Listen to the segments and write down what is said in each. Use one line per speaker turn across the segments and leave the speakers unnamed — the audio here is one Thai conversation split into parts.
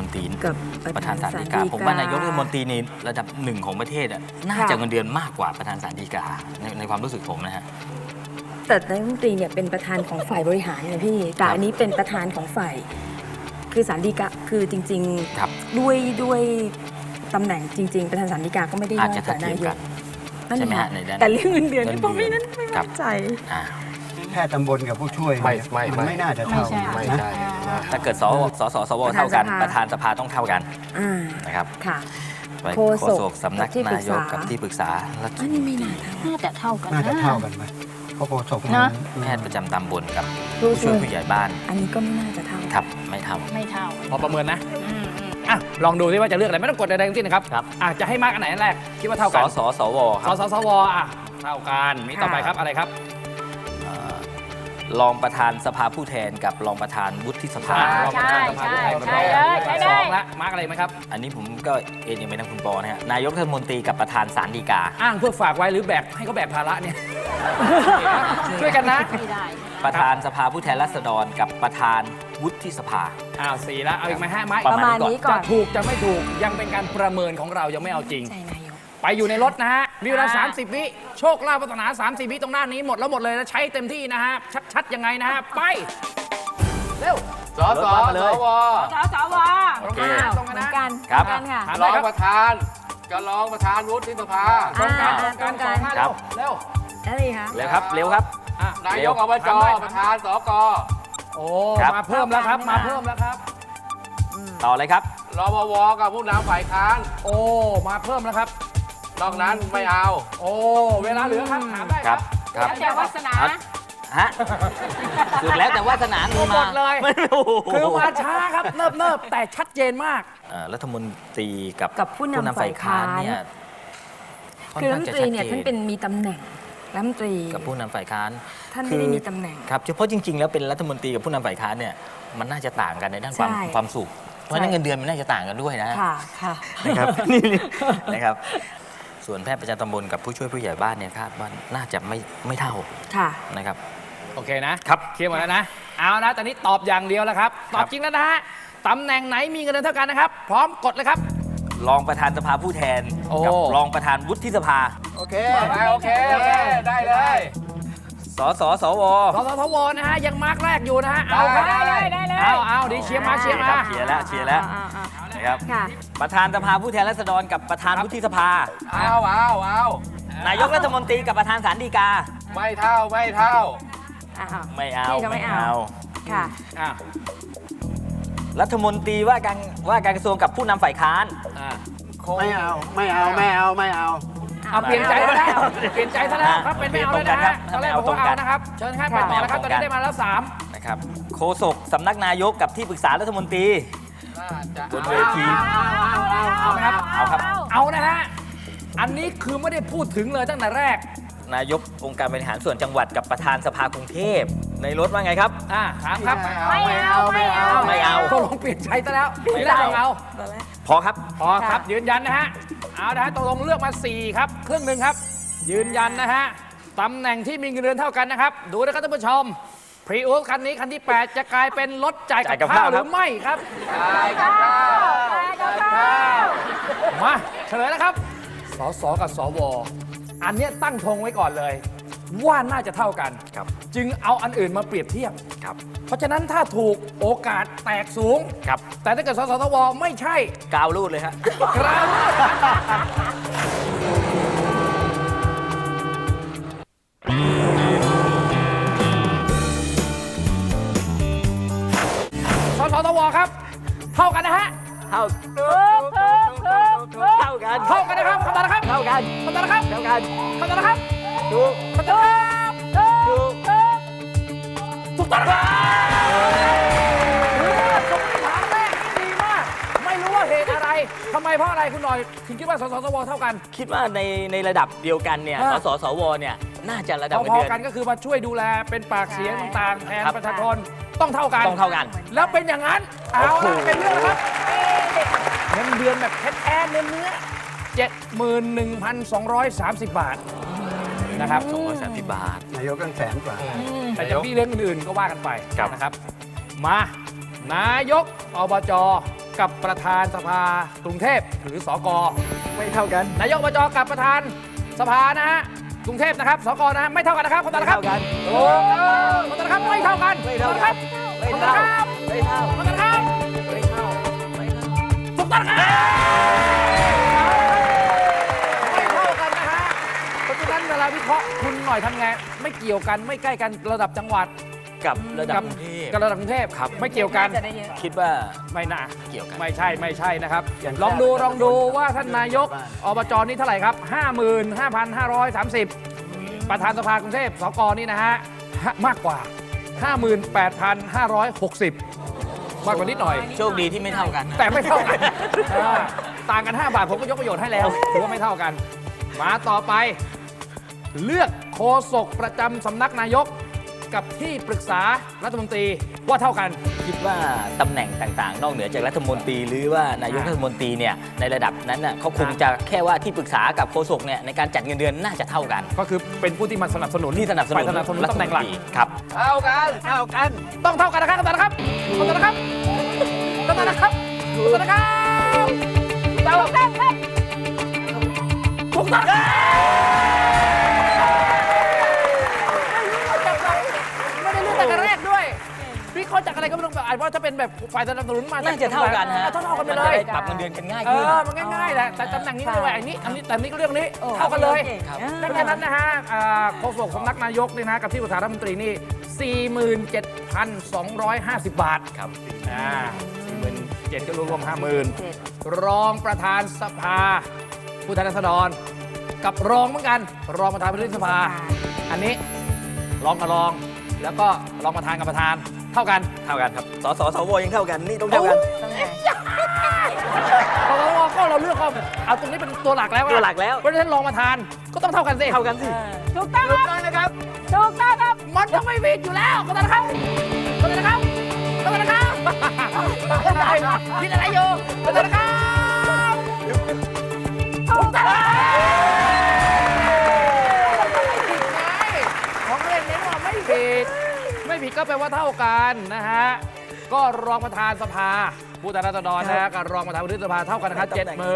นตรี
กับ
ประธานศาลฎีกาผมว่านายกรัฐมนตรีในระดับหนึ่งของประเทศน่าจะเงินเดือนมากกว่าประธานศาลฎีกาในความรู้สึกผมนะฮะ
แต่นายกรัฐมนตรีเนี่ยเป็นประธานของฝ่ายบริหารไงพี่แต่อันนี้เป็นประธานของฝ่ายคือศาลฎีกาคือจริงๆด้วยตำแหน่งจริงๆประธานศาลฎีกาก็ไม่ได้น้อยกว่านายกนั่นแหละแต่เรื่องเงินเดือนนี่ผมไม่มั่นใจ
แค่ตำบลกับผู้ช่วยมันไม่น่าจะเท่า
ไม่ใช่
ถ้าเกิดสวเท่ากันประธานสภาต้องเท่ากันนะครับโฆษกสำนักนายกกับที่ปรึกษา
อันนี้ไม่น่า
จะเท่ากัน
น่าจะเท่ากันไหมเพราะโฆษก
แพทย์ประจำตำบลกับผู้ช่วยผู้ใหญ่บ้าน
อันนี้ก็ไม่น่าจะเท่า
ครับไม่เท่า
พอประเมินนะลองดูซิว่าจะเลือกอะไรไม่ต้องกดใดๆทั้งสิ้นนะครับจะให้มาร์กอันไหนแรกคิดว่าเท่ากัน
สวครับ
สวเท่ากันมีต่อไปครับอะไรครับ
รองประธานสภาผู้แทนกับรองประธานวุฒิสภา
ใช่
สองละมาร์กอะไรไหมครับ
อันนี้ผมก็เอ็นยังไม่ทางคุณปอนะฮะนายกรัฐมนตรีกับประธานศาลฎีกา
อ้างเพื่อฝากไว้หรือแบกให้เขาแบกภาระเนี่ยช่วยกันนะ
ประธานสภาผู้แทนราษฎรกับประธานวุฒิสภา
4แล้วเอาอีกไหมฮะ
ประมาณนี้ก่อน
จะถูกจะไม่ถูกยังเป็นการประเมินของเรายังไม่เอาจริงไปอยู่ในรถนะฮะมีเวลา30 วิโชคลาภปรารถนา30 วิตรงหน้านี้หมดเลยนะใช้เต็มที่นะฮะชัดๆยังไงนะฮะไปเร็ว
สว
โอเค
ตรงกัน
ครับ
รองประธานกับรองประธานวุฒิสภา
ตรงกัน
ครับ
เร็ว
อะไรคะ
เร็วครับ
นายกอบจประธานสก
โอ้มาเพิ่มแล้วครับ
ต่อเลยครับ
รปวกับผู้นำฝ่ายค้าน
โอ้มาเพิ่มแล้วครับ
นอกนั้นไม่เอา
โอ้เวลาเหลือครับถามได้ครับ
แล้วแต่วาสนา
ฮะสุดแล้วแต่วาสนา
หมดเลยคือมาช้าครับเนิบแต่ชัดเจนมาก
รัฐมนตรีกับ
ผู้นำฝ่ายค้านเนี่ยคือรัฐมนตรีเนี่ยท่านเป็นมีตำแหน่งรัฐมนตรี
กับผู้นำฝ่ายค้าน
ท่านไม่ได้มีตำแหน่ง
ครับเฉพาะจริงๆแล้วเป็นรัฐมนตรีกับผู้นำฝ่ายค้านเนี่ยมันน่าจะต่างกันในด้านความสุขเพราะนั้นเงินเดือนมันน่าจะต่างกันด้วยนะ
ค่ะ
นะครับนี่นะครับส่วนแพทย์ประจำตำบลกับผู้ช่วยผู้ใหญ่บ้านเนี่ยคาดว่าน่าจะไม่เท่านะครับ
โอเคนะครับเคลียร์หมดแล้วนะเอานะตอนนี้ตอบอย่างเดียวแล้วครับตอบจริงแล้วนะฮะตำแหน่งไหนมีเงินเดือนเท่ากันนะครับพร้อมกดเลยครับ
รองประธานสภาผู้แทนกับรองประธานวุฒิสภา
โอเคได้เลย
สว
นะฮะยังมาร์กแรกอยู่นะฮะเอาครับเอาดิเชียร์มา
เชียร์แล้วนะครับประธานสภาผู้แทนราษฎรกับประธานวุฒิสภา
เอา
นายกรัฐมนตรีกับประธานศาลฎีกา
ไม่เท่า
ไม่เอา
ค่ะ
รัฐมนตรีว่าการกระทรวงกับผู้นำฝ่ายค้าน
ไม่เอา
เปลี่ยนใจซะแล้วครับเป็นไม่เอาเลยนะฮะตอนแรกบอกว่าเอานะครับเชิญครับไปต่อแล้วครับตอนนี้ได้มาแล้ว3
นะครับโฆษกสำนักนายกกับที่ปรึกษารัฐมนตรีบนเวที
เอาไหมครับ
เอาครับ
เอานะฮะอันนี้คือไม่ได้พูดถึงเลยตั้งแต่แรก
นายกองค์การบริหารส่วนจังหวัดกับประธานสภากรุงเทพในรถว่าไงครับ
ถามครับ
ไม่เอา
ก็ลงเปลี่ยนใจซะแล้วไม่ได้เอา
พอครับ
ยืนยันนะฮะเอานะฮะตกลงเลือกมา4ครับครึ่งหนึ่งครับยืนยันนะฮะตำแหน่งที่มีเงินเดือนเท่ากันนะครับดูนะครับท่านผู้ชมพรีอูสคันนี้คันที่8จะกลายเป็นรถจ่ายกับข้าวหรือไม่ครับ
จ่ายกับข้าว
มาเฉลยนะครับสกับสวอันนี้ตั้งธงไว้ก่อนเลยว่าน่าจะเท่ากันจึงเอาอันอื่นมาเปรียบเทียบเพราะฉะนั้นถ้าถูกโอกาสแตกสูงแต่ถ้าเกิดสวไม่ใช่
กาวรูดเลยฮะ
กาวรูดสวครับเท่ากันนะฮะ
เท่ากัน
นะครับคำตอบนะครับ
เท่ากัน
นะครับ
เท่ากัน
คำตอบนะครับ
ถูก
ต้องนะครับคำถามแรกนี่ดีมากไม่รู้ว่าเหตุอะไรทำไมเพราะอะไรคุณหน่อยถึงคิดว่าสวเท่ากัน
คิดว่าในระดับเดียวกันเนี่ยสวเนี่ยน่าจะระดับ
พอกันก็คือมาช่วยดูแลเป็นปากเสียงต่างๆแทนประชาชนต้องเท่ากันแล้วเป็นอย่างนั้นเอาละเป็นเรื่องครับเงินเดือนแบบแท้ๆเนื้อ 71,230 บาทนะครับ
230 บาท
นายกกัน100,000 กว่า
แต่จะมีเรื่องอื่นๆก็ว่ากันไปนะครับมานายกอบจกับประธานสภากรุงเทพหรือสก
ไม่เท่ากัน
นายกอบจกับประธานสภานะฮะกรุงเทพนะครับสกนะฮะไม่เท่ากันนะครับคนแต่ละครับโอ้คนแต่ละครับไม่เท่ากันไม่เท่ากันคนแต่ละครับไม่เท่าคนแต่ละครับไม่เท่าถูกต้องครับไม่เท่ากันนะฮะเพราะฉะนั้นเวลาวิเคราะห์คุณหน่อยทำไงไม่เกี่ยวกันไม่ใกล้กันระดับจังหวัด
กับระดับกรุงเทพ
กับระดับกรุงเทพครับไม่เกี่ยวกัน
จะได้เยอะ
คิดว่า
ไม่น่า
เกี่ยวกัน
ไม่ใช่นะครับลองดูว่าท่านนายกอบจนี่เท่าไหร่ครับ 55,530 ประธานสภากรุงเทพสกนี่นะฮะมากกว่า 58,560 มากกว่านิดหน่อย
โชคดีที่ไม่เท่ากัน
แต่ไม่เท่ากันต่างกัน 5 บาทผมก็ยกประโยชน์ให้แล้วถือว่าไม่เท่ากัน มาต่อไป เลือกโฆษกประจำสำนักนายกกับที่ปรึกษารัฐมนตรีว่าเท่ากัน
คิดว่าตำแหน่งต่างๆ นอกเหนือจากรัฐมนตรีหรือว่านายกรัฐมนตรีเนี่ยในระดับนั้นน่ะเขาคงจะแค่ว่าที่ปรึกษากับโฆษกเนี่ยในการจัดเงินเดือนน่าจะเท่ากัน
ก็คือเป็นผู้ที่มาสนับสนุน
ที่สนับสนุน
ฝ่ายสนับสนุนตำแหน่งหลัก
ครับ
เท่ากัน
ต้องเท่ากันนะครับต้องเท่ากันนะครับต้องเท่ากันนะครับต้องเท่ากันนะครับต้องเท่ากันนะครับเท่ากันครับถูกต้องครับไม่ได้เลือกแต่แรกด้วยพี่เขาจากอะไรก็ไม่ต้องอ่านว่าถ้าเป็นแบบฝ่ายสนับสนุนมา
น่าจะเท่ากันฮะ
เท่ากันไป
มัน
เล
จะ
ย
ได้ปรับเงินเดือนกันง่าย
เอ
ขึ้น
อมันง่ายๆแหละแต่ตำแหน่งนี้ไม่ไหวอันนี้แต่นี้ก็เรื่องนี้
โอ้
เท่ากันเลย
ครับ
ดังนั้นนะฮะโฆษกสำนักนายกนี่นะกับที่ปรึกษารัฐมนตรีนี่ 47,250 บาท
ครับ
47,000ก็รวม50,000 รองประธานสภาผู้แทนราษฎรกับรองเหมือนกันรองประธานประธานสภา อันนี้รองกับรอง แล้วก็รองประธานกับประธานเท่ากัน
เท่ากันครับสสสวยังเท่ากันนี่ต้องเท่ากัน
เพราะว่าก็เราเลือกเอาตรงนี้เป็นตัวหลักแล้วอะ
ตัวหลักแล้ว
เพราะฉะนั้นรองประธานก็ต้องเท่ากันสิ
เท่ากันสิ
ถูกต้องครับถูกต้องครับ
มันจะไม่ผิดอยู่แล้วขอโทษนะครับขอโทษนะครับขอโทษนะครับผิดอะไรอยู่ขอโทษนะครับถูกต้องของเล่นเน้นว่าไม่ผิดก็แปลว่าเท่ากันนะฮะก็รองประธานสภาผู้แทนราษฎรนะฮะกับรองประธานวุฒิสภาเท่ากันนะครับ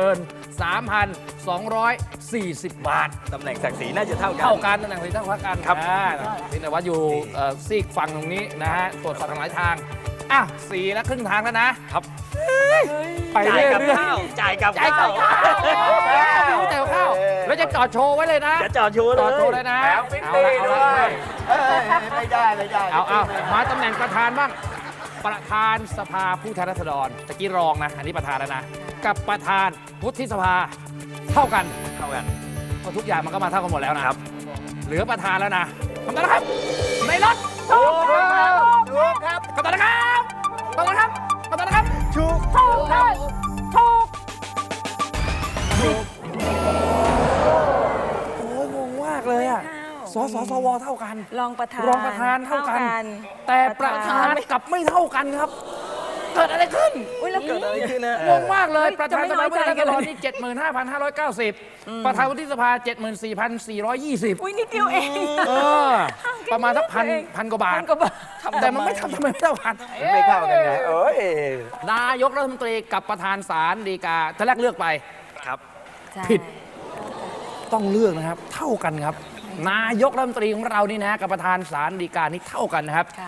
73,240 บาท
ตำแหน่งศักดิ์ศรีน่าจะเท่ากัน
เท่ากันตำแหน่งสีเท่ากัน
ครับ
พี่นวัดอยู่ซีกฝั่งตรงนี้นะฮะตรวจสอบทางหลายทางอ่ะ4แล้วครึ่งทางแล้วนะครับไปเรื่อยๆ
จ่ายกับ
จ่ายกับข้าวจ่ายกับข้าวแล้วจะจอดโชว์ไว้เลยนะ
จะจอดโชว์
จอดโชว์
เล
เลย ยนะ
แล้วฟิตตี้ด้วย
ไม่ได้
เอามาตำแหน่งประธานบ้างประธานสภาผู้แทนราษฎรตะกี้รองนะอันนี้ประธานแล้วนะกับประธานวุฒิสภาเท่ากัน
เท่ากัน
ก็ทุกอย่างมันก็มาเท่ากันหมดแล้วนะครับ เหลือประธานแล้วนะคำตอบนะครับ ในรถถูกครับคำตอบนะครับคำตอบนะครับคำตอบนะครับถูกครับถูกโอ้ยงงมากเลยอ่ะสสสวเท่ากัน
รองประธาน
รองประธานเท่ากัน แต่ประธานกลับไม่เท่ากันครับ เกิดอะไรขึ้น
อุ้ยแล้ว
เกิดอะไรขึ้นนะ
งงมากเลย
เฮ้ย
ประธานสภาผู้แทนราษฎร
จะไม่น้อยใจกันเลย
นี่ 75,590 ประธานวุฒิสภา 74,420
อุ้ยนิดเดียวเอง
ประมาณสักพันกว่าบาท
พันกว่าบาท
แต่มันไม่ทำไมไม่เท่ากัน
ไม่เข้ากันไงเอ้ย
นายกรัฐมนตรีกับประธานศาลฎีกาท่านแรกเลือกไป
ครับ
ผิด ต้องเลือกนะครับ เท่ากันครับ นายกรัฐมนตรีของเรานี่นะกับประธานศาลฎีกานี่เท่ากันนะครับ
ค่ะ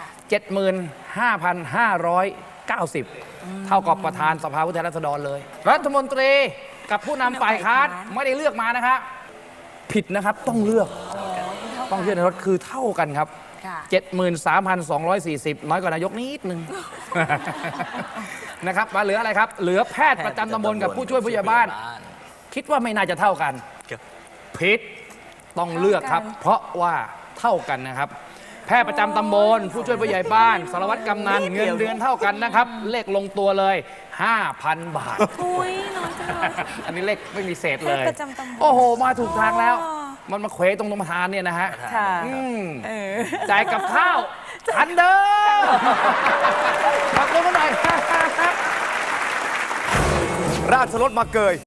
75,590 เท่ากับประธานสภาผู้แทนราษฎรเลย รัฐมนตรีกับผู้นำฝ่ายค้านไม่ได้เลือกมานะครับผิดนะครับต้องเลือกต้องเลือกในรถคือเท่ากันครับ
ค่ะ
73,240 น้อยกว่านายกนิดนึง นะครับมาเหลืออะไรครับ เหลือแพทย์ประจำตำบลกับผู้ช่วยผู้ใหญ่บ้าน คิดว่าไม่น่าจะเท่ากัน
ครับ
ผิดต้องเลือกครับ เพราะว่าเท่ากันนะครับ แพทย์ประจำตำบลผู้ช่วยผู้ใหญ่บ้านสารวัตรกำนันเงินเดือนเท่ากันนะครับ เลขลงตัวเลย 5,000 บาท
อุ้ยน้อยจังเลย
อันนี้เลขไม่มีเศษเลย
แพทย์ประจำตำบล
โอ้โห มาถูกทางแล้ว
อ๋อ
มันมาเควตรงประธานเนี่ยนะฮะ
ค่ะ
จ่ายกับข้าวอันเดิมขอบคุณกันหน่อย
ราชรถมาเกย